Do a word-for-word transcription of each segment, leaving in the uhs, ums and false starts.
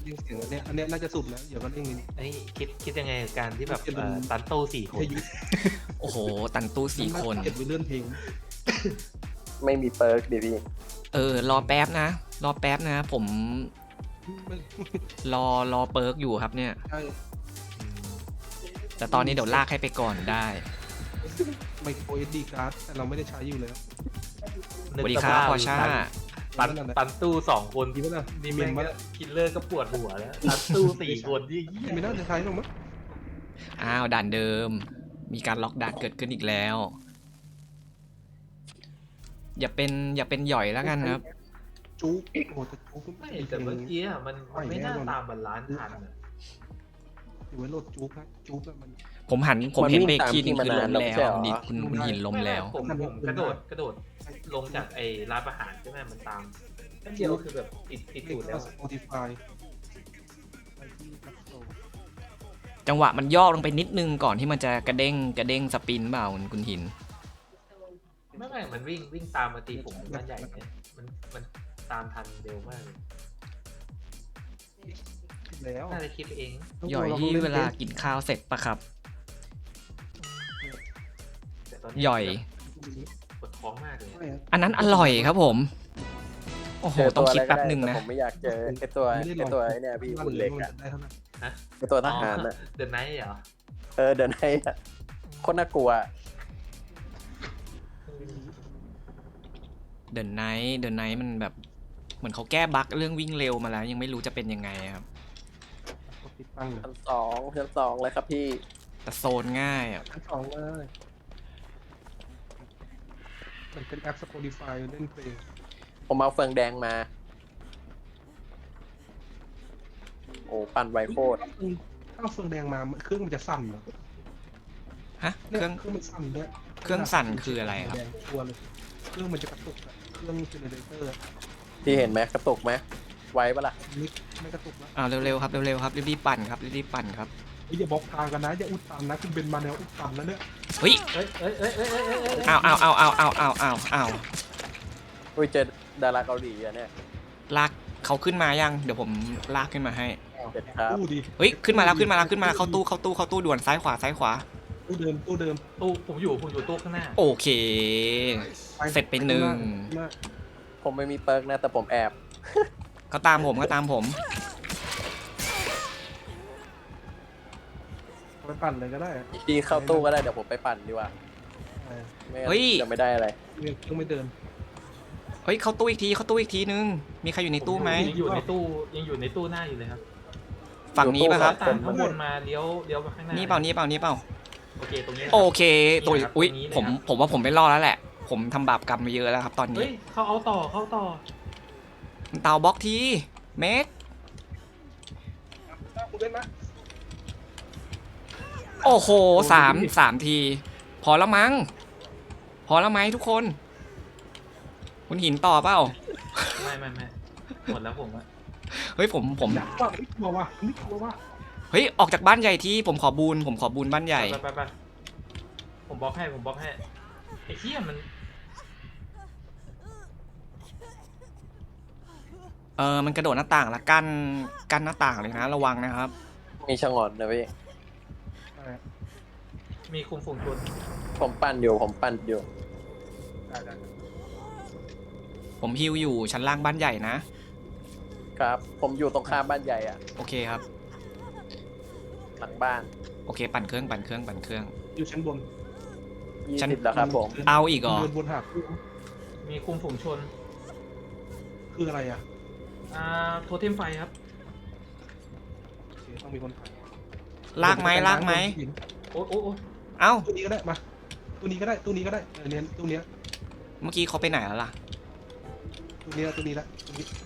เร่งเสียงอันเนี้ยอันเนี้ยน่าจะสุดแล้วเดี๋ยวก็เร่งนิดไอ้คิดคิดยังไงกับการที่แบบเอ่อตันโต้สี่คนโอ้โหตันตู้สี่คนเก็บไว้เลื่อนเพลงไม่มีเปิร์กดิพี่เออรอแป๊บนะรอแป๊บนะผมไม่รอรอเปิร์กอยู่ครับเนี่ยใช่แต่ตอนนี้เดี๋ยวลากให้ไปก่อนได้ไมโครเอสดีการ์ดแต่เราไม่ได้ใช้อยู่แล้วสวัสดีครับพอช่าตันตันตู้สองคนดีไหมล่ะนี่เมีแม่ยงนมาก็คิลเลอร์ก็ปวดหัวแล้วตันตู้สี่คนที่เหี้ยไม่น่าจะใช้หรอกมั้งอ้าวด่านเดิม มีการล็อกด่านเกิดขึ้นอีกแล้ว อย่าเป็นอย่าเป็นหย่อยแล้วกันครับจุ๊กโอ้แต่จุ๊กไม่แต่เมื่อกี้อะมันไม่น่าตามบาลานซ์ทันอะอยู่ไว้โหลดจุ๊กนะจุ๊กอะมันผมหันผมเห็นเบรกทีนึงคือล้มแล้วดิคุณคุณหินล้มแล้วผมผมกระโดดกระโดดลงจากไอ้ร้านอาหารใช่ไหมมันตามแค่เดียวคือแบบติดติดตูดแล้วสปอติฟายไปที่แอปสโตร์จังหวะมันย่อลงไปนิดนึงก่อนที่มันจะกระเด้งกระเด้งสปินเปล่าคุณคุณหินไม่ไม่มันวิ่งวิ่งตามมาตีผมบ้านใหญ่เนี่ยมันมันตามทันเร็วมากเลยแล้วน่าจะคิดไปเองหย่อยที่เวลากินข้าวเสร็จปะครับแต่ตอนนี้หย่อยปวดท้องมากเลยไม่อะอันนั้นอร่อยครับผม โอ้โหเจอต้ตัองวคิดอะไรก็แป๊บได้หนึ่งแต่นะผมไม่อยากเจอไอตัวไอตัวไอเนี่ยพี่หุ่นเล็กอะได้เท่านั้นไอตัวทหารอะเดินไนท์เหรอเออเดินให้อะโคนน่ากลัวเดินไนท์เดินไนท์มันแบบเหมือนเขาแก้บั๊กเรื่องวิ่งเร็วมาแล้ว ยังไม่รู้จะเป็นยังไงครับกดติดตั้งเลยชั้นสองชั้นสองเลยครับพี่แต่โซนง่ายอ่ะชั้นสองเลยมันเป็นแอป Spotify เล่นเพลงผมเอาเฟืองแดงมา โอ้ปั่นไวโคตรถ้าเอาเฟืองแดงมาเครื่องมันจะสั่นเหรอฮะ เคเนี่ยรื่องเครื่องมันสั่นด้วยเครื่องสั่นคืออะไรครับแดงชัวร์เลยเครื่องมันจะกระตุกอะเครื่องเจเนเรเตอร์พี่เห็นไหมกระตุกไหมไวปะล่ะไม่ไม่กระตุกนะอ่าเร็วๆครับเร็วๆครับรีบๆปั่นครับรีบๆปั่นครับเฮ้ยอย่าบล็อกทางกันนะอย่าอุดตันนะคุณเป็นมาแนวอุดตันแล้วเนี่ยเฮ้ยเอ้ยเอ้ยเอ้ยเอ้ยเอ้ยเอ้ยเอ้ยอ้าวอ้าวอ้าวอ้าวอ้าวอ้าวอ้าวอ้าวอุ้ยเจอดาราเกาหลีอะเนี่ยลากเขาขึ้นมายังเดี๋ยวผมลากขึ้นมาให้เด็ดครับตู้ดีเฮ้ยขึ้นมาแล้วขึ้นมาแล้วขึ้นมาเข้าตู้เข้าตู้เข้าตู้ด่วนซ้ายขวาซ้ายขวาตู้เดิมตู้เดิมตู้ผมอยู่ผมอยู่ตู้ข้างหน้าโอเค เสร็จไปหนึ่งมากผมไม่มีเปิร์กนะแต่ผมแอบเขาตามผมเขาตามผมไปปั่นเลยก็ได้อะพี่เข้าตู้ก็ได้เดี๋ยวผมไปปั่นดีกว่าเออไม่งั้นจะไม่ได้อะไรเครื่องไม่เดินเฮ้ยเข้าตู้อีกทีเข้าตู้อีกทีนึงมีใครอยู่ในตู้ไหมยังอยู่ในตู้ยังอยู่ในตู้หน้าอยู่เลยครับฝั่งนี้ป่ะครับตามข้างบนมาเลี้ยวเลี้ยวมาข้างหน้านี่นี่เปล่านี่เปล่านี่เปล่าโอเคตรงนี้โอเคตัวนี่ครับอุ้ยตรงนี้เลยผมครับผมว่าผมไม่รอดแล้วแหละ ผมทำบาปกรรมมาเยอะแล้วครับ ตอนเฮ้นี้ยเขาเอาต่อเขาเอาต่อเตาบล็อกทีเมกคุณเล่นนะโอ้โหสามสามที พอแล้วมั้งพอแล้วไหมทุกคน คุณหินต่อเปล่าไม่ไม่ไม่หมดแล้วผมอะเฮ้ยผมผมอยากว่าไม่กลัวว่ะไม่กลัวว่ะเฮ้ยออกจากบ้านใหญ่ที่ผมขอบูนผมขอบูนบ้านใหญ่ไปไปไปผมบล็อกให้ผมบล็อกให้ไอ้เหี้ยมันเออมันกระโดดหน้าต่างละกั้นกั้นหน้าต่างเลยนะระวังนะครับมีชะงอนนะพี่เออมีคุมฝูงชนผมปั่นอยู่ผมปั่นอยู่ได้ได้ผมฮิวอยู่ชั้นล่างบ้านใหญ่นะครับ ผมอยู่ตรงข้ามบ้านใหญ่อะโอเคครับหลังบ้านโอเคปั่นเครื่องปั่นเครื่องปั่นเครื่องอยู่ชั้นบนยี่ฉันสิบแล้วครับผมเอาอีกเหรอเดินบนหาดมีคุมฝูงชนคืออะไรอ่ะอ่าโทเทมไฟครับโอเคต้องมีคนถ่ายลากไหมลากไหมโอ้โอ้โอ้เอ้าตู้นี้ก็ได้มาตู้นี้ก็ได้ตู้นี้ก็ได้เออเนี่ยตู้เนี้ยเมื่อกี้เขาไปไหนแล้วล่ะตู้เนี้ยตู้นี้ละตู้นี้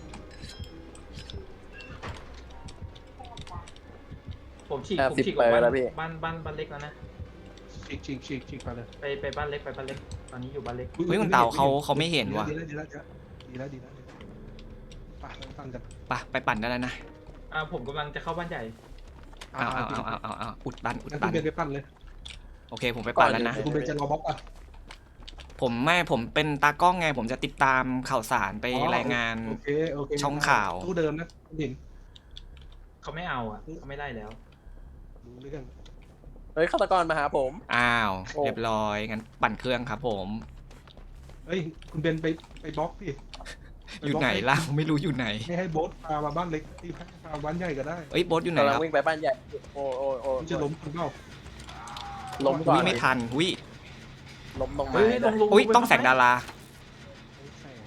ผมฉีกห้าผมสิบฉีกเปอร์บ้านแล้วพี่บ้านบ้านบ้านเล็กแล้วนะฉีกฉีกฉีกฉีกไปเลยไปไปบ้านเล็กไปบ้านเล็กตอนนี้อยู่บ้านเล็กเฮ้ยคุณเต่าเขาเขาไม่เห็นว่ะดีแล้วดีแล้วดีแล้วดีแล้วดีแล้วไปเราฟังกันไปไปปั่นได้แล้วนะอ่าผมกำลังจะเข้าบ้านใหญ่เอาเอาเอาเอาเอาเอาอุดตันอุดงั้นตัคุณนเบนไปปั้นเลยโอเคผมไปปั่นแล้วนะคุณเบนจะรอบล็อกอ่ะผมไม่ผมเป็นตากล้องไง ผมจะติดตามข่าวสารไปรายงานโอเคโอเคช่องข่าวตู้เดิมนะเห็นเขาไม่เอาอ่ะเขาไม่ไล่แล้วรู้เรื่องเฮ้ยฆาตกรมาหาผมอ้าวโอ้เรียบร้อยงั้นปั่นเครื่องครับผมเฮ้ยคุณเบนไปไปบล็อกดิปอยู่บล็กไหนล่ะไม่รู้อยู่ไหนไม่ให้โบ๊ทพามาบ้านเล็กที่พามาบ้านใหญ่ก็ได้เอ้ยโบสอยู่ไหนกำลัคงรับวิ่งไปบ้านใหญ่โอ้โอ้โอ้มันจะล้มคุณเปล่าล้มก่ออุ้ยนไม่ทันอุ้ยล้มตรงไม้เฮ้ยลงลงอุ้ยไปต้องแสงดาราแสง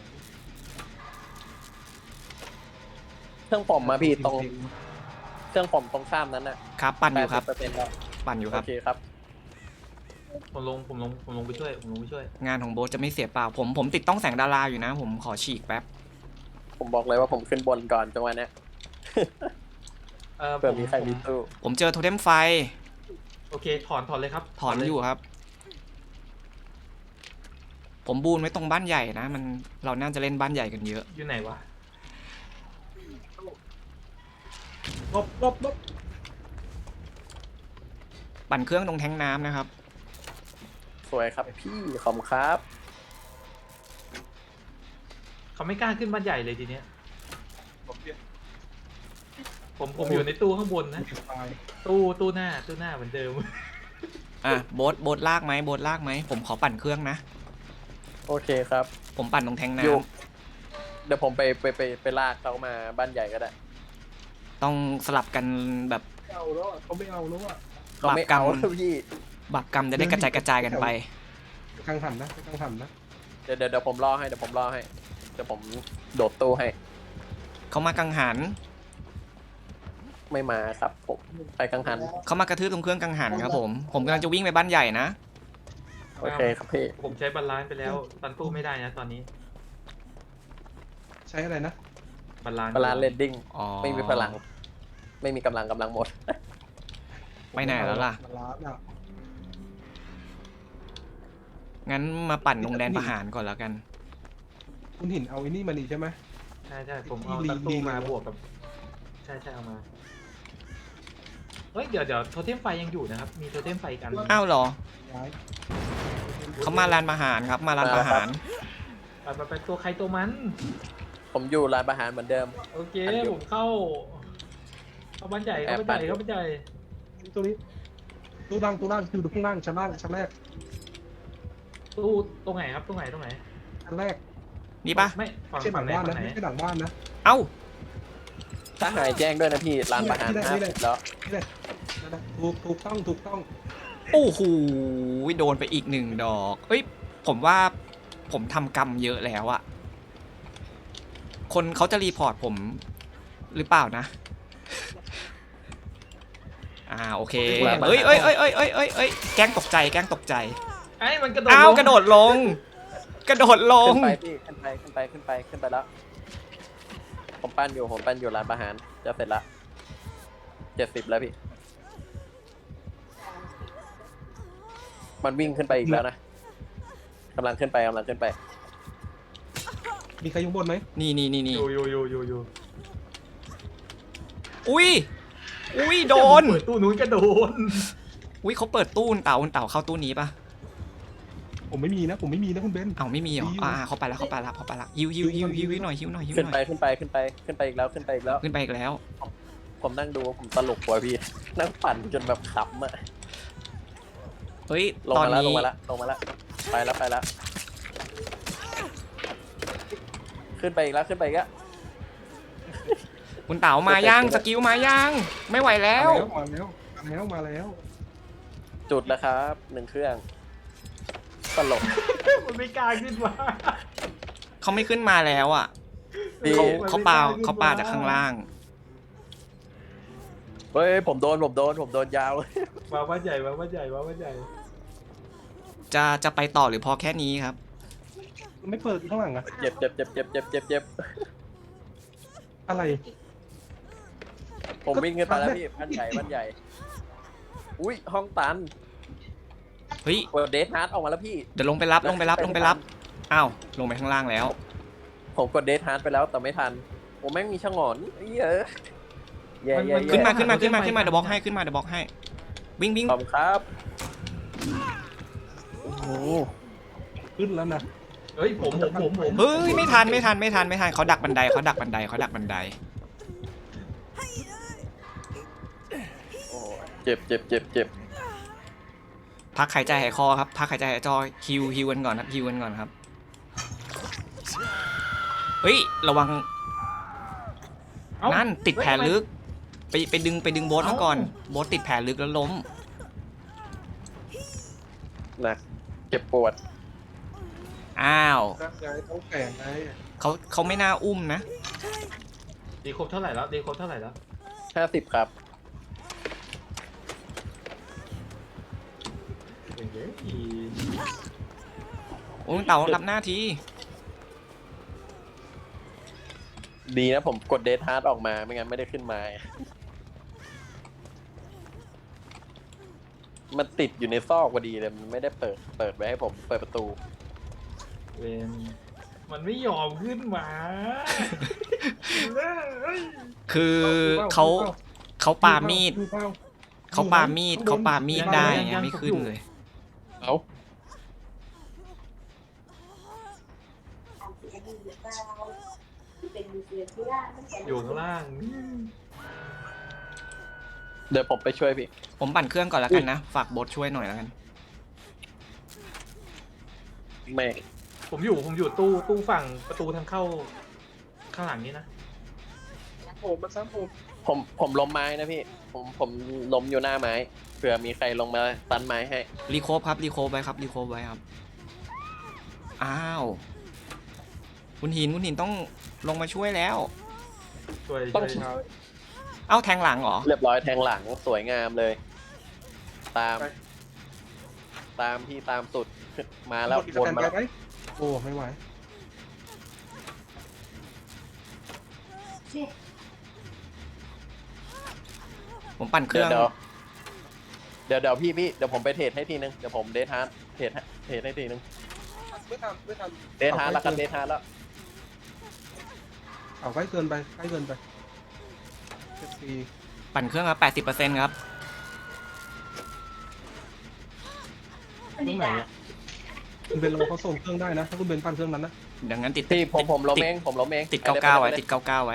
เครื่องผมมาพี่ตรงเครื่องผมตรงข้ามนั้นน่ะครับปั่นอยู่ครับแปดสิเปอร์เซ็นต์แล้วปั่นอยู่คโอรับเคครับผมลงผมลงผมลงไปช่วยผมลงไปช่วยงานของโบสจะไม่เสียเปล่าผมผมติดต้องแสงดาราอยู่นะ ผมขอฉีกแป๊บผมบอกเลยว่าผมขึ้นบนก่อนจังหวะเนี้ยเออเผื่อผมมีใครผมมีตู้ผมเจอโทเทมไฟโอเคถอนถอนเลยครับถอนเลยอยู่ครับ ผมบูนไว้ตรงบ้านใหญ่นะ มันเราน่าจะเล่นบ้านใหญ่กันเยอะอยู่ไหนวะลบลบลบปั่นเครื่องตรงแทงน้ำนะครับสวยครับพี่ขอบคุณครับเขาไม่กล้าขึ้นบ้านใหญ่เลยทีเนี้ยผมเปลี่ยนผมผมอยู่ในตู้ข้างบนนะไฟล์ตู้ตู้หน้าตู้หน้าเหมือนเดิมอ่ะโบสโบสลากไหมโบสลากไหมผมขอปั่นเครื่องนะโอเคครับผมปั่นตรงแทงน้อยู่เดี๋ยวผมไปไปไปไปลากเขามาบ้านใหญ่ก็ได้ำต้องสลับกันแบบไม่เอาแล้วอะเขาไม่เอาแล้วอ่ะเขาไม่เอาแล้วพี่บาปกรรมจะได้กระจายกระจายกันไปไปกังหันนะไปกังหันนะเดี๋ยวเดี๋ยวเดี๋ยวผมรอให้เดี๋ยวผมรอให้เดี๋ยวผมโดดตู้ให้เขามากังหันไม่มาครับผมไปกังหันเขามากระทืบตรงเครื่องกังหันครับผม ผมกำลังจะวิ่งไปบ้านใหญ่นะโอเคครับพี่ผมใช้บาลานซ์ไปแล้วตันตู้ไม่ได้นะตอนนี้ใช้อะไรนะบาลานซ์พลานเลนดิ้งอ๋อไม่มีพลัง ไม่มีกำลังกำลังหมดไปไหนแล้วล่ะมาล้านอ่ะงั้นมาปั่นลงแดนประหารก่อนแล้วกันคุณหินเอาไอ้นี่มานี่ใช่ไหมใช่ใช่ผมเอาที่ตันตู้ลิงมาลิงบวกกับ ใช่ใช่เอามาเฮ้ยเดี๋ยวเดี๋ยวโทเทมไฟยังอยู่นะครับ มีโทเทมไฟอีกอันหนึ่งอ้าวเหรอย้ายเขามาลานประหารครับ มาลานประหารไปไปไปตัวใครตัวมันผมอยู่ร้านอาหารเหมือนเดิมโอเคอันเดียวผมเข้าเข้าบ้านใหญ่เข้าบ้านใหญ่แอบปั่นเข้าบ้านใหญ่ตัวนี้ตู้ล่างตู้ล่างอยู่ข้างล่างชั้นล่างชั้นแรกตู้ตรงไหนครับตรงไหนตรงไหนชั้นแรกนี่ปะไม่ฝั่ไม่งใช่หลัฝั่งงไหนบ้านฝั่นะงไหนไม่ใช่หลังบ้านนะเอ้าถ้าหายแจ้งด้วยนะพี่ร้านอาหารนี่แหละห้านี่แหสิละบแล้วนี่เลยนั่นนะถูกถูกต้องถูกต้องโอ้โหโดนไปอีกหนึ่งดอกเอ้ย ผมว่าผมทำกรรมเยอะแล้วอะคนเขาจะรีพอร์ตผมหรือเปล่านะ อ่าโอเค เอ้ยเอ้ยเอ้ยเอ้ยเอ้ยเอ้ยเอ้ยแกล้งตกใจแกล้งตกใจไอ้ยมันกระโดดอ้าวลงกระโดดลง กระโดดลงขึ้นไปพี่ขึ้นไปขึ้นไปขึ้นไปขึ้นไปแล้ว ผมปั้นอยู่ผมปั้นอยู่ร้านอาหารจะเสร็จละเจ็ดสิบแล้วพี่ มันวิ่งขึ้นไปอีกแล้วนะกำลังขึ้นไปกำลังขึ้นไปมีใครอยู่บนไหมนี่นี่นี่นี่อยู่อยู่อยู่อยู่อยู่อุ้ยอุ้ยโดนเปิดตู้นู้นก็โดนอุ้ยเขาเปิดตู้คุณเต่าคุณเต่าเข้าตู้นี้ปะผมไม่มีนะผมไม่มีนะคุณเบนเอ้าไม่มีเหรอมีอยู่อ่าเขาไปแล้วเขาไปแล้วเขาไปแล้วฮิวฮิวฮิวฮิวฮิวหน่อยฮิวหน่อยฮิวขึ้นหน่ไปอยขึ้นไปขึ้นไปขึ้นไปอีกแล้วขึ้นไปอีกแล้วขึ้นไปอีกแล้วผมนั่งดูผมตลกกว่าพี่ นั่งปั่นจนแบบขำอะเฮ้ยลงตอนมาแล้วนี้ลงมาแล้วลงมาแล้วไปแล้วไปแล้วขึ้นไปอีกแล้วขึ้นไปอีกแล้วคุณเต๋ามายังสกิลมายังไม่ไหวแล้วมาแล้วมาแล้วมาแล้วจุดแล้วครับหนึ่งเครื่องตลกมันไม่กล้าขึ้นมาเขาไม่ขึ้นมาแล้วอ่ะพี่เขาเขาปาเขาปาจากข้างล่างเฮ้ยผมโดนผมโดนผมโดนยาวมาบ้านใหญ่มาบ้านใหญ่มาบ้านใหญ่จะจะไปต่อหรือพอแค่นี้ครับไม่เปิดข้างหลังอะเจ็บเจ็บเจ็บเจ็บเจ็บเจ็บเจ็บอะไรผมวิ่งขึ้นไปแล้วพี่บ้านใหญ่บ้านใหญ่อุ้ยห้องตันเฮ้ยเปิดเดทฮาร์ดออกมาแล้วพี่เดี๋ยวลงไปรับลงไปรับลงไปรับอ้าวลงไปข้างล่างแล้วผมกดเดทฮาร์ดไปแล้วแต่ไม่ทันผมแม่งมีชะงอนเอ้ยเออแย่แย่ขึ้นแย่มาขึ้นมาขึ้นมาขึ้นมาเดี๋ยวบล็อกให้ขึ้นมาเดี๋ยวบล็อกให้วิ่งวิ่งขอบคุณครับโอ้โหขึ้นแล้วนะเฮ้ยผมผมผมผมเฮ้ยไม่ทันไม่ทันไม่ทันไม่ทันเขาดักบันไดเขาดักบันไดเขาดักบันไดเจ็บเจ็บเจ็บเจ็บพักหายใจหายคอครับพักหายใจหายจอฮิวฮิวกันก่อนครับฮิวกันก่อนครับเฮ้ยระวังเอ้านั่นติดแผลเฮ้ยทำไมลึก ไปไปดึงไปดึงโบสมาก่อนเอ้าโบสติดแผลลึกแล้วล้มหนักเจ็บปวดอ้าวร่างกายต้องแฝงไงเขาเขาไม่น่าอุ้มนะดีครบเท่าไหร่แล้วดีครบเท่าไหร่แล้วห้าสิบครับเฮ้ยโอ้ยเต่ารับหน้าทีดีนะผมกดเดทฮาร์ดออกมาไม่งั้นไม่ได้ขึ้นมา มันติดอยู่ในซอกพอดีเลยมันไม่ได้เปิดเปิดไว้ให้ผมเปิดประตูเวนมันไม่ยอมขึ้นมาเฮ้ยคือเขาเขาปามีดดูเปล่าเขาปามีดเขาปามีดได้ไงไม่ขึ้นเลยเอ้าอยู่ข้างล่างเดี๋ยวผมไปช่วยพี่ผมปั่นเครื่องก่อนแล้วกันนะ ฝากโบสช่วยหน่อยแล้วกันแม่งผมอยู่ผมอยู่ตู้ตู้ฝั่งประตูทางเข้าข้างหลังนี้นะผมมันซ้ำผมผมผมล้มไม้นะพี่ ผมผมล้มอยู่หน้าไม้เผื่อมีใครลงมาตันไม้ให้รีโคฟครับรีโคฟไว้ครับรีโคฟไว้ครับ อ้าว คุณหินคุณหินต้องลงมาช่วยแล้วช่วยต้ช่องวยเอ้าแทงหลังเหรอเรียบร้อยแทงหลังสวยงามเลย ตาม ตามพี่ตามสุดมาแล้วมีสวนแตนมาบาแล้ยว ไหมโอ้ไม่ไหวผมปั่นเครื่องเดี๋ยวเดี๋ยวเดี๋ยวพี่พี่เดี๋ยวผมไปเทรดให้ทีนึงเดี๋ยวผมเดทฮาร์ดเทรดให้เทรดให้ทีนึงไม่ทำไม่ทำเดทฮาร์ดแล้วกันเดทฮาร์ดแล้วเอาใกล้เกินไปใกล้เกินไปเจ็ดปีปั่นเครื่องครับแปดสิบเปอร์เซ็นต์ครับตรงไหนอะคุณเบนเราเขาส่งเครื่องได้นะถ้าคุณเบนปั้นเครื่องนั้นนะดังนั้นติดพี่ผมติดผมล้มติดเองผมล้มเองติดเก้าเก้าไว้ติดเก้าเก้าไว้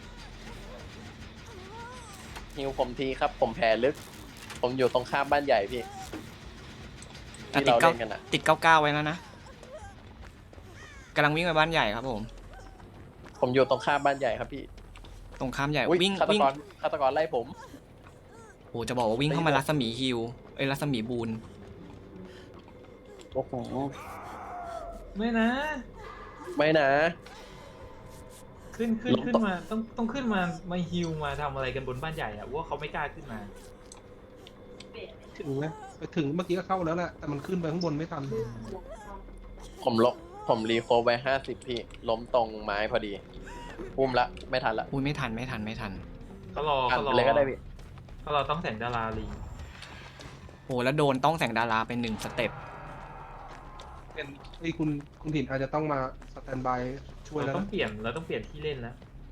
ฮิวผมทีครับ ผมแผลลึก ผมอยู่ตรงข้ามบ้านใหญ่พี่อ่ะที่ติดเราเก้าเล่นกันอ่ะติดเก้าเก้าไว้แล้วนะกำลังวิ่งไปบ้านใหญ่ครับผมผมอยู่ตรงข้ามบ้านใหญ่ครับพี่ตรงข้ามใหญ่อุ๊ยวิ่งฆาตวิ่งกรฆาตกรไล่ผมโอ้จะบอกว่าวิ่งเข้ามารัศมีฮิวเอ้ยรัศมีบูนโอ้โหไม่นะไม่นะขึ้นขึ้นลงขึ้นต่อมาต้องต้องขึ้นมามาฮิวมาทำอะไรกันบนบ้านใหญ่อะว่าเขาไม่กล้าขึ้นมาถึงนะไปถึงเมื่อกี้ก็เข้าแล้วแหละแต่มันขึ้นไปข้างบนไม่ทันผมลบผมรีโคฟไว้ห้าสิบพี่ ล้มตรงไม้พอดีอุ้มละ ไม่ทันละอุ้ยไม่ทันไม่ทันไม่ทันเขารอทันเขารอเลยก็ได้พี่เขารอต้องแสงดาราลีโอ้แล้วโดนต้องแสงดาราเป็นหนึ่งสเต็ปเป็นไอ้ยคุณคุณถิ่นอาจจะต้องมาสแตนบายช่วยเราแล้วต้องนะเปลี่ยนเราต้องเปลี่ยนที่เล่นแล้ว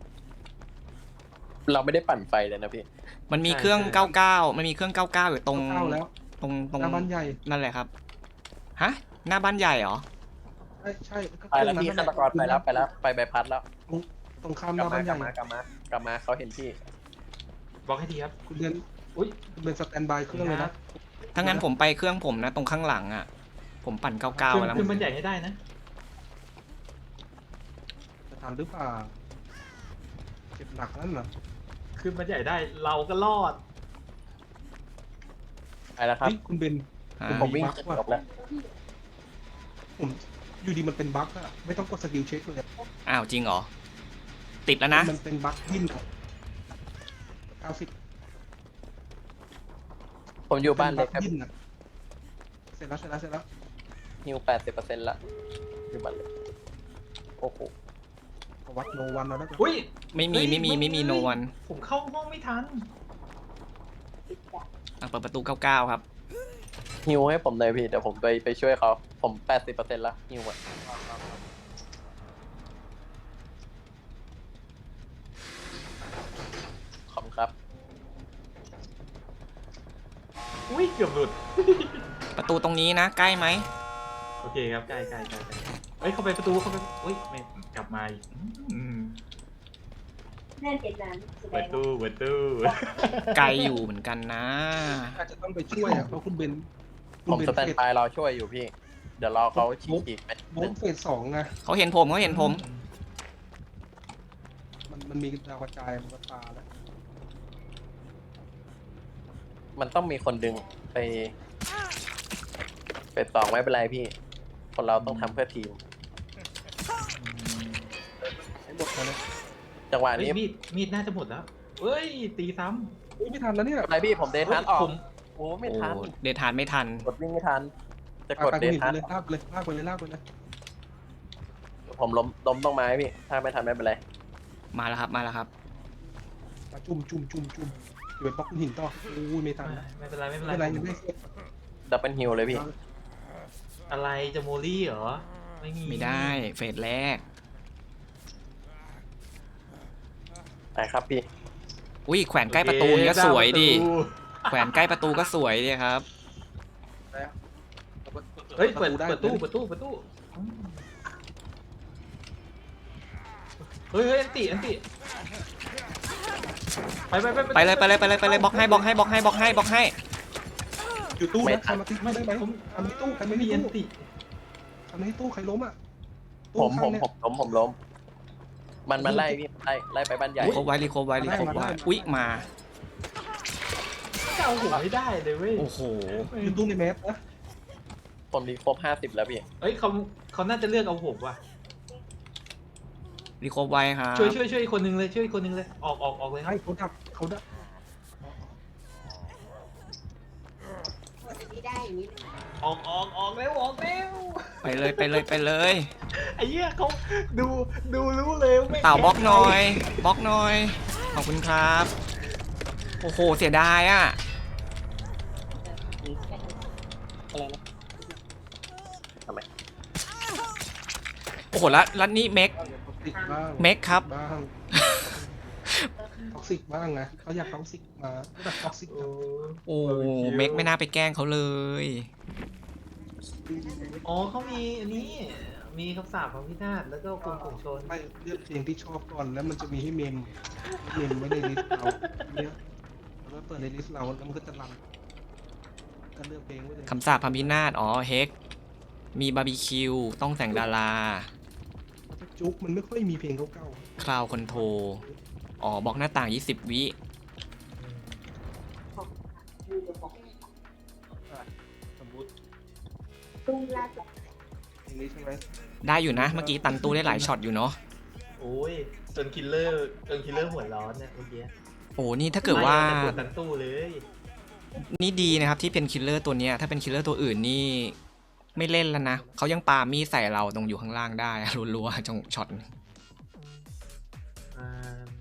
เราไม่ได้ปั่นไฟเลยนะพี่มันมีใช่เครื่องใช่เก้าเก้ามันมีเครื่องเก้าเก้าอยู่ตรงเข้าแล้วตรงตรงหน้าบ้านใหญ่นั่นแหละครับฮะหน้าบ้านใหญ่เหรอใช่ใช่ก็ไปแล้วพี่ฆาตกรไปแล้วไปแล้วไปใบพัดแล้วตรงข้ามหกลัน้าบบ้ามานใหกลัญ่บมากลับมากลับมาเขาเห็นพี่บอกให้ทีครับคุณเบนอุ้ยคุณเบนสแตนบายเครื่องเลยนะถ้างั้นผมไปเครื่องผมนะ ตรงข้างหลังอ่ะ ผมปั่นเก้าเก้าขึ้นแล้วขึ้นบ้านใหญ่ให้ได้นะจะทันหรือเปล่าเจ็บหนักนั่นเหรอขึ้นบ้านใหญ่ได้เราก็รอดไปแล้วครับเฮ้ยคุณเบนอ่าผมวิ่งบั๊กว่ะจบแล้วผมอยู่ดีมันเป็นบั๊กอะไม่ต้องกดสกิลเช็คเลยอะอ้าวจริงเหรอ ติดแล้วนะมันเป็นบั๊กยินเก้าสิบผมอยู่บ้านเล็กครับยินอะเสร็จแล้วเสร็จแล้วเสร็จแล้วฮิวแปดสิบเปอร์เซ็นต์ละอยู่บ้านเล็กโอ้โหวัดโนวันแล้วนะอุ้ยไม่มีไม่มีไม่มีโนวันผมเข้าห้องไม่ทันเปิดประตูเก้าเก้าครับฮิวให้ผมเลยพี่เดี๋ยวผมไปไปช่วยเขาผมแปดสิบเปอร์เซ็นต์ละฮิวอะขอบคุณครับอุ้ยเกือบหลุดประตูตรงนี้นะ ใกล้ไหมโอเคครับใกล้ใกล้ใกล้ใกล้เฮ้ยเข้าไปประตูเข้าไปอุ้ยไม่กลับมาอีกอืมนั่นเป็นนั้นแสดเปิดงตู้เปิดตู้ไกลอยู่เหมือนกันนะอาจจะต้องไปช่วยอ่ะเพราะคุณเบนคุผณมเบนสแตนเฟสบายรอช่วยอยู่พี่ เดี๋ยวรอเขาฉีกอีกไปโบ๊ทเฟสสองไงเขาเห็นผมเขาเห็นผมมันมันมีดาวกระจายมันก็ตาแล้วมันต้องมีคนดึงไปไปสองไม่เป็นไรพี่ คนเราต้องทำเพื่อทีมให้หมดแล้วนะจังหวะเฮ้ยนี้มีดมีดน่าจะหมดแล้วเฮ้ยตีซ้อุ้ยไม่ทันแล้วเนี่ยอะไรพี่ผมเดำททันออกผมโอ้ไม่โอ้ทันเดทานไม่ทันกดวิ่งไม่ทัน จะไปกดไปเดคุณทหินทันไปเลยลากไปเลยลากไปเลยลากไปเลยผมล้มล้มต้องไม้พี่ ถ้าไม่ทันไม่เป็นไรมาแล้วครับมาแล้วครับมาจุ่มจุ่มจุ่มจุ่มอยู่ไปบล็อกคุณหินต่ออุ้ยไม่ทันนะไม่เป็นไรไม่เป็นไม่ไรเป็นไรยังได้เซฟดับเบิลฮิลเลยพี่อะไรจะโมลี่เหรอไม่มีไม่ได้เฟสแรกไปครับพี่อุ้ยแขวนใกล้ประตูนี่ก็สวยดิแขวนใกล้ประตูก็สวยดิครับแล้วเฮ้ยเปิดได้เปิดตู้เปิดตู้เปิดตู้อืมเฮ้ยเฮ้ยอันติอันติไปไปไปไปเลยไปเลยไปเลยไปเลยบล็อกให้บล็อกให้บล็อกให้บล็อกให้บล็อกให้อยู่ตู้ไม่นะทันทำมาติ๊กไม่ได้ไหมทำที่ตู้ใครไม่ไม่มีมีอันตู้ติทำที่ตู้ใครล้มอ่ะตู้ผมผมข้างเนี่ยผมล้มผมล้ม มันมันไล่พี่ไล่ไล่ไปบ้านใหญ่รีโคบไว้รีโคบไว้รีโคบไว้อุ้ยมาจะเอาหัวไม่ได้เลยเว้ยโอ้โหอยู่ตู้ในแมสนะผมรีครบห้าสิบแล้วพี่เฮ้ยเขาเขาน่าจะเลือกเอาผมว่ะรีโคบไว้ครับช่วยช่วยช่วยอีกคนนึงเลยช่วยอีกคนนึงเลยออกออกออกเลยครัให้บเขาดับเขาดับไม่ได้อย่างนี้ออกออกออกเร็วออกเร็วไปเลยไปเลยไปเลยไอ้เหี้ยเขาดูดูรู้เลยว่ไม่เต่าบล็อกหน่อยบล็อกหน่อยขอบคุณครับโอ้โหเสียดายอ่ะอะไรนะทำไมโอ้โหแล้วแล้วนี่เมกท็อกซิกบ้างเมกครับบ้างท็อกซิกบ้างนะเขาอยากท็อกซิกมาก็แบบท็อกซิกโอ้โอ้เมกไม่น่าไปแกล้งเขาเลยอ๋อเขามีอันนี้มีคำสาปของพินาศแล้วก็กลุ่มกลุ่มชนไม่เลือกเพลงที่ชอบก่อนแล้วมันจะมีให้เมมเมมไว้ในลิสต์เราเนี่ยแล้วก็เปิดในลิสต์เราแล้วมันก็จะรันก็เลือกเพลงไว้เลยคำสาปพัมพินาศอ๋อเฮกมีบาร์บีคิวต้องแต่งดาราถ้าจุกมันไม่ค่อยมีเพลงเก่าคลาวคอนโทรอ๋อบล็อกหน้าต่างยี่สิบวิดูจะบอกๆสมมติตุ้งลาดเพลงนี้ใช่ไหมได้อยู่นะเมื่อกี้ตันตู้ได้หลายช็อตอยู่เนาะโอ้ยจนคิลเลอร์จนคิลเลอร์หัวร้อนเนี่ยเมื่อกี้โอ้นี่ถ้าเกิดว่าไม่แต่กดตันตู้เลยนี่ดีนะครับที่เป็นคิลเลอร์ตัวเนี้ยถ้าเป็นคิลเลอร์ตัวอื่นนี่ไม่เล่นแล้วนะเขายังปามีดใส่เราตรงอยู่ข้างล่างได้ รัวๆจงช็อตอ่า